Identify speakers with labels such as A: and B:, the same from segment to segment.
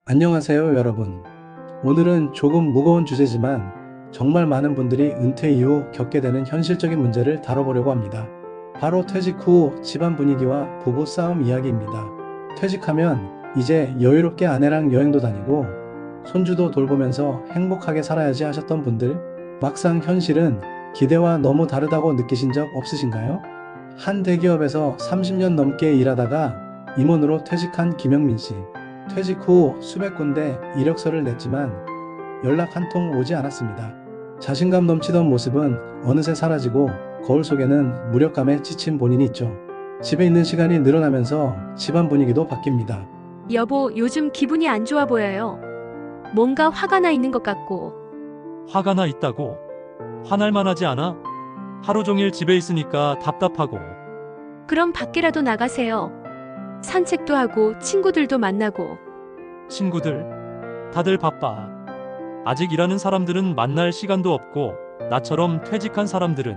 A: 안녕하세요, 여러분. 오늘은 조금 무거운 주제지만 정말 많은 분들이 은퇴 이후 겪게 되는 현실적인 문제를 다뤄보려고 합니다. 바로 퇴직 후 집안 분위기와 부부 싸움 이야기입니다. 퇴직하면 이제 여유롭게 아내랑 여행도 다니고 손주도 돌보면서 행복하게 살아야지 하셨던 분들, 막상 현실은 기대와 너무 다르다고 느끼신 적 없으신가요? 한 대기업에서 30년 넘게 일하다가 임원으로 퇴직한 김영민 씨. 퇴직 후 수백 군데 이력서를 냈지만 연락 한 통 오지 않았습니다. 자신감 넘치던 모습은 어느새 사라지고 거울 속에는 무력감에 지친 본인이 있죠. 집에 있는 시간이 늘어나면서 집안 분위기도 바뀝니다.
B: 여보, 요즘 기분이 안 좋아 보여요. 뭔가 화가 나 있는 것 같고.
C: 화가 나 있다고? 화날 만하지 않아? 하루 종일 집에 있으니까 답답하고.
B: 그럼 밖이라도 나가세요. 산책도 하고 친구들도 만나고.
C: 친구들? 다들 바빠. 아직 일하는 사람들은 만날 시간도 없고 나처럼 퇴직한 사람들은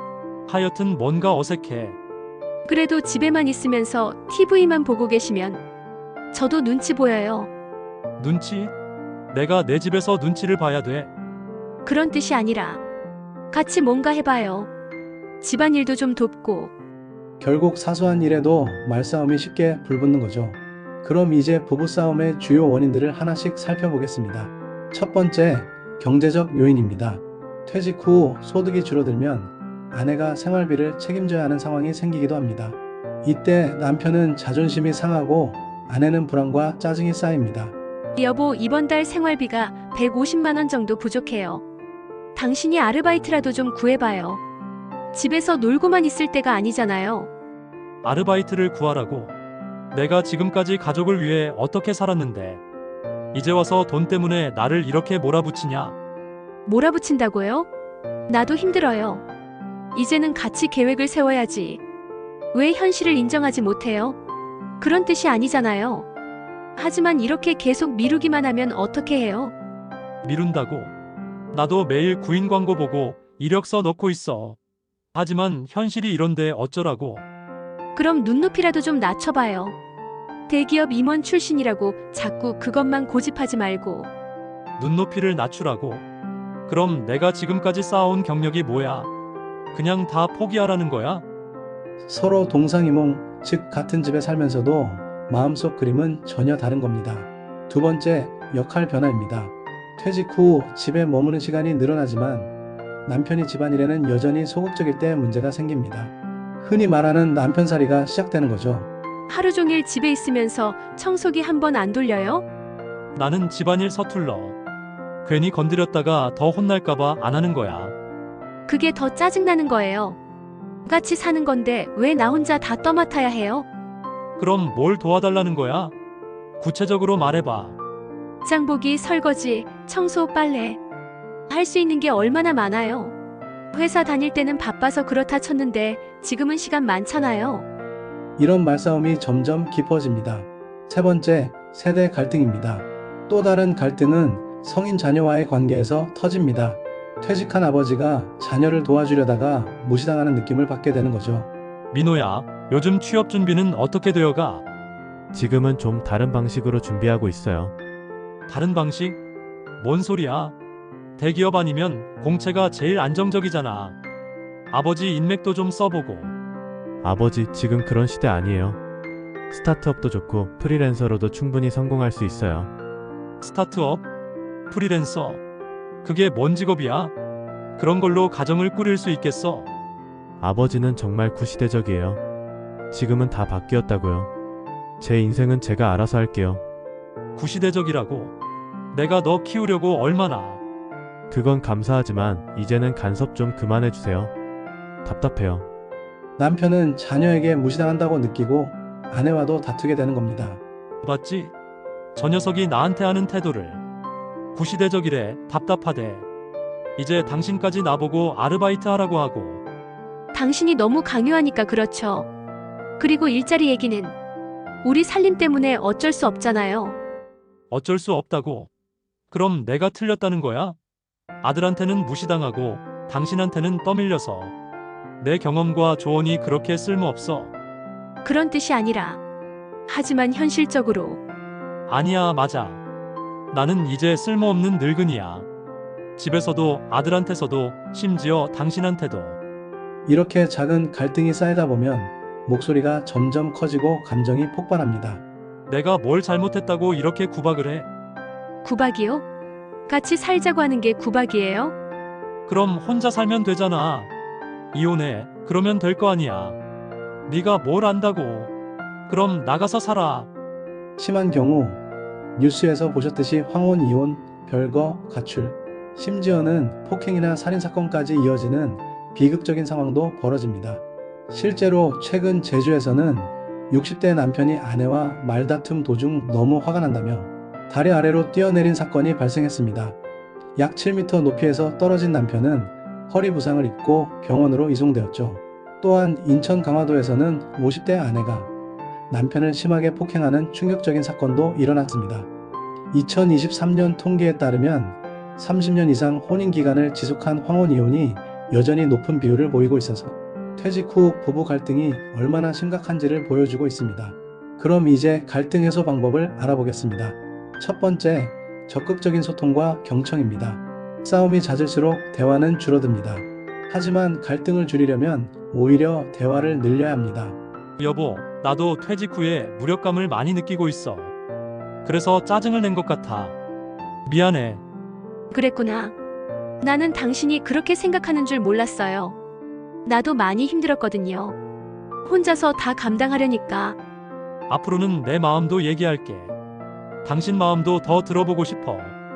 C: 하여튼 뭔가 어색해.
B: 그래도 집에만 있으면서 TV만 보고 계시면 저도 눈치 보여요.
C: 눈치? 내가 내 집에서 눈치를 봐야 돼.
B: 그런 뜻이 아니라 같이 뭔가 해봐요. 집안일도 좀 돕고.
A: 결국 사소한 일에도 말싸움이 쉽게 불붙는 거죠. 그럼 이제 부부싸움의 주요 원인들을 하나씩 살펴보겠습니다. 첫 번째, 경제적 요인입니다. 퇴직 후 소득이 줄어들면 아내가 생활비를 책임져야 하는 상황이 생기기도 합니다. 이때 남편은 자존심이 상하고 아내는 불안과 짜증이 쌓입니다.
B: 여보, 이번 달 생활비가 150만 원 정도 부족해요. 당신이 아르바이트라도 좀 구해봐요. 집에서 놀고만 있을 때가 아니잖아요.
C: 아르바이트를 구하라고. 내가 지금까지 가족을 위해 어떻게 살았는데 이제 와서 돈 때문에 나를 이렇게 몰아붙이냐?
B: 몰아붙인다고요? 나도 힘들어요. 이제는 같이 계획을 세워야지. 왜 현실을 인정하지 못해요? 그런 뜻이 아니잖아요. 하지만 이렇게 계속 미루기만 하면 어떻게 해요?
C: 미룬다고? 나도 매일 구인 광고 보고 이력서 넣고 있어. 하지만 현실이 이런데 어쩌라고?
B: 그럼 눈높이라도 좀 낮춰봐요. 대기업 임원 출신이라고 자꾸 그것만 고집하지 말고.
C: 눈높이를 낮추라고? 그럼 내가 지금까지 쌓아온 경력이 뭐야? 그냥 다 포기하라는 거야?
A: 서로 동상이몽, 즉 같은 집에 살면서도 마음속 그림은 전혀 다른 겁니다. 두 번째, 역할 변화입니다. 퇴직 후 집에 머무는 시간이 늘어나지만 남편이 집안일에는 여전히 소극적일 때 문제가 생깁니다. 흔히 말하는 남편살이가 시작되는 거죠.
B: 하루 종일 집에 있으면서 청소기 한 번 안 돌려요?
C: 나는 집안일 서툴러. 괜히 건드렸다가 더 혼날까봐 안 하는 거야.
B: 그게 더 짜증나는 거예요. 같이 사는 건데 왜 나 혼자 다 떠맡아야 해요?
C: 그럼 뭘 도와달라는 거야? 구체적으로 말해봐.
B: 장보기, 설거지, 청소, 빨래. 할 수 있는 게 얼마나 많아요. 회사 다닐 때는 바빠서 그렇다 쳤는데 지금은 시간 많잖아요.
A: 이런 말싸움이 점점 깊어집니다. 세 번째, 세대 갈등입니다. 또 다른 갈등은 성인 자녀와의 관계에서 터집니다. 퇴직한 아버지가 자녀를 도와주려다가 무시당하는 느낌을 받게 되는 거죠.
C: 민호야, 요즘 취업 준비는 어떻게 되어가?
D: 지금은 좀 다른 방식으로 준비하고 있어요.
C: 다른 방식? 뭔 소리야? 대기업 아니면 공채가 제일 안정적이잖아. 아버지 인맥도 좀 써보고.
D: 아버지, 지금 그런 시대 아니에요. 스타트업도 좋고 프리랜서로도 충분히 성공할 수 있어요.
C: 스타트업? 프리랜서? 그게 뭔 직업이야? 그런 걸로 가정을 꾸릴 수 있겠어?
D: 아버지는 정말 구시대적이에요. 지금은 다 바뀌었다고요. 제 인생은 제가 알아서 할게요.
C: 구시대적이라고? 내가 너 키우려고 얼마나?
D: 그건 감사하지만 이제는 간섭 좀 그만해주세요. 답답해요.
A: 남편은 자녀에게 무시당한다고 느끼고 아내와도 다투게 되는 겁니다.
C: 봤지? 저 녀석이 나한테 하는 태도를. 구시대적이래. 답답하대. 이제 당신까지 나보고 아르바이트 하라고 하고.
B: 당신이 너무 강요하니까 그렇죠. 그리고 일자리 얘기는 우리 살림 때문에 어쩔 수 없잖아요.
C: 어쩔 수 없다고? 그럼 내가 틀렸다는 거야? 아들한테는 무시당하고 당신한테는 떠밀려서. 내 경험과 조언이 그렇게 쓸모없어.
B: 그런 뜻이 아니라. 하지만 현실적으로
C: 아니야, 맞아. 나는 이제 쓸모없는 늙은이야. 집에서도 아들한테서도 심지어 당신한테도.
A: 이렇게 작은 갈등이 쌓이다 보면 목소리가 점점 커지고 감정이 폭발합니다.
C: 내가 뭘 잘못했다고 이렇게 구박을 해?
B: 구박이요? 같이 살자고 하는 게 구박이에요?
C: 그럼 혼자 살면 되잖아. 이혼해. 그러면 될 거 아니야. 네가 뭘 안다고. 그럼 나가서 살아.
A: 심한 경우 뉴스에서 보셨듯이 황혼 이혼, 별거, 가출, 심지어는 폭행이나 살인사건까지 이어지는 비극적인 상황도 벌어집니다. 실제로 최근 제주에서는 60대 남편이 아내와 말다툼 도중 너무 화가 난다며 다리 아래로 뛰어내린 사건이 발생했습니다. 약 7m 높이에서 떨어진 남편은 허리 부상을 입고 병원으로 이송되었죠. 또한 인천 강화도에서는 50대 아내가 남편을 심하게 폭행하는 충격적인 사건도 일어났습니다. 2023년 통계에 따르면 30년 이상 혼인 기간을 지속한 황혼 이혼이 여전히 높은 비율을 보이고 있어서 퇴직 후 부부 갈등이 얼마나 심각한지를 보여주고 있습니다. 그럼 이제 갈등 해소 방법을 알아보겠습니다. 첫 번째, 적극적인 소통과 경청입니다. 싸움이 잦을수록 대화는 줄어듭니다. 하지만 갈등을 줄이려면 오히려 대화를 늘려야 합니다.
C: 여보, 나도 퇴직 후에 무력감을 많이 느끼고 있어. 그래서 짜증을 낸 것 같아. 미안해.
B: 그랬구나. 나는 당신이 그렇게 생각하는 줄 몰랐어요. 나도 많이 힘들었거든요. 혼자서 다 감당하려니까.
C: 앞으로는 내 마음도 얘기할게. 당신 마음도 더 들어보고 싶어.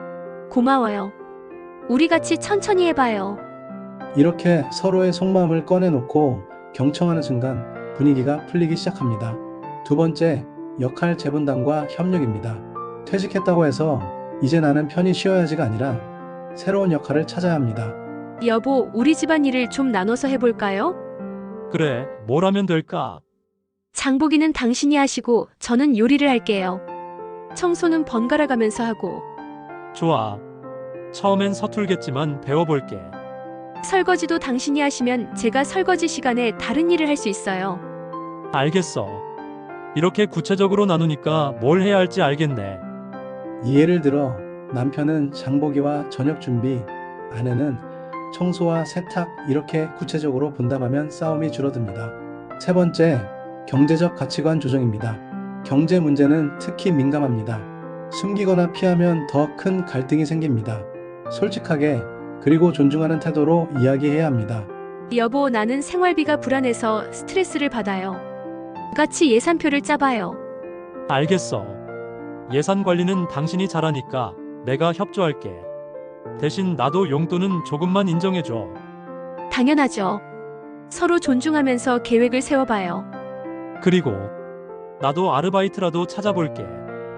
B: 고마워요. 우리 같이 천천히 해봐요.
A: 이렇게 서로의 속마음을 꺼내놓고 경청하는 순간 분위기가 풀리기 시작합니다. 두 번째, 역할 재분담과 협력입니다. 퇴직했다고 해서 이제 나는 편히 쉬어야지가 아니라 새로운 역할을 찾아야 합니다.
B: 여보, 우리 집안일을 좀 나눠서 해볼까요?
C: 그래, 뭘 하면 될까?
B: 장보기는 당신이 하시고 저는 요리를 할게요. 청소는 번갈아 가면서 하고
C: 좋아. 처음엔 서툴겠지만 배워볼게.
B: 설거지도 당신이 하시면 제가 설거지 시간에 다른 일을 할 수 있어요.
C: 알겠어. 이렇게 구체적으로 나누니까 뭘 해야 할지 알겠네.
A: 예를 들어 남편은 장보기와 저녁 준비, 아내는 청소와 세탁 이렇게 구체적으로 분담하면 싸움이 줄어듭니다. 세 번째, 경제적 가치관 조정입니다. 경제 문제는 특히 민감합니다. 숨기거나 피하면 더 큰 갈등이 생깁니다. 솔직하게 그리고 존중하는 태도로 이야기해야 합니다.
B: 여보, 나는 생활비가 불안해서 스트레스를 받아요. 같이 예산표를 짜봐요.
C: 알겠어. 예산 관리는 당신이 잘하니까 내가 협조할게. 대신 나도 용돈은 조금만 인정해줘.
B: 당연하죠. 서로 존중하면서 계획을 세워봐요.
C: 그리고 나도 아르바이트라도 찾아볼게.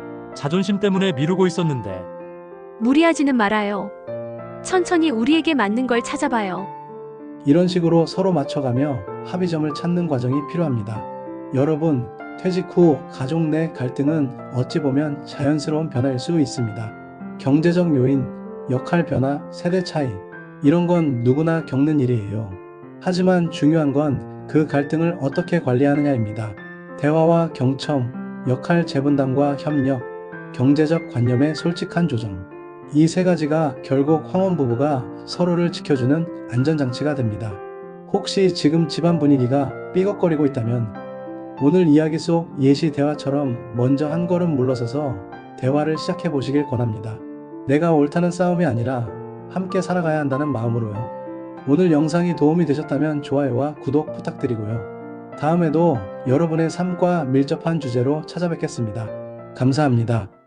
C: 자존심 때문에 미루고 있었는데.
B: 무리하지는 말아요. 천천히 우리에게 맞는 걸 찾아봐요.
A: 이런 식으로 서로 맞춰가며 합의점을 찾는 과정이 필요합니다. 여러분, 퇴직 후 가족 내 갈등은 어찌 보면 자연스러운 변화일 수 있습니다. 경제적 요인, 역할 변화, 세대 차이, 이런 건 누구나 겪는 일이에요. 하지만 중요한 건 그 갈등을 어떻게 관리하느냐입니다. 대화와 경청, 역할 재분담과 협력, 경제적 관념의 솔직한 조정. 이 세 가지가 결국 황혼 부부가 서로를 지켜주는 안전장치가 됩니다. 혹시 지금 집안 분위기가 삐걱거리고 있다면 오늘 이야기 속 예시 대화처럼 먼저 한 걸음 물러서서 대화를 시작해 보시길 권합니다. 내가 옳다는 싸움이 아니라 함께 살아가야 한다는 마음으로요. 오늘 영상이 도움이 되셨다면 좋아요와 구독 부탁드리고요. 다음에도 여러분의 삶과 밀접한 주제로 찾아뵙겠습니다. 감사합니다.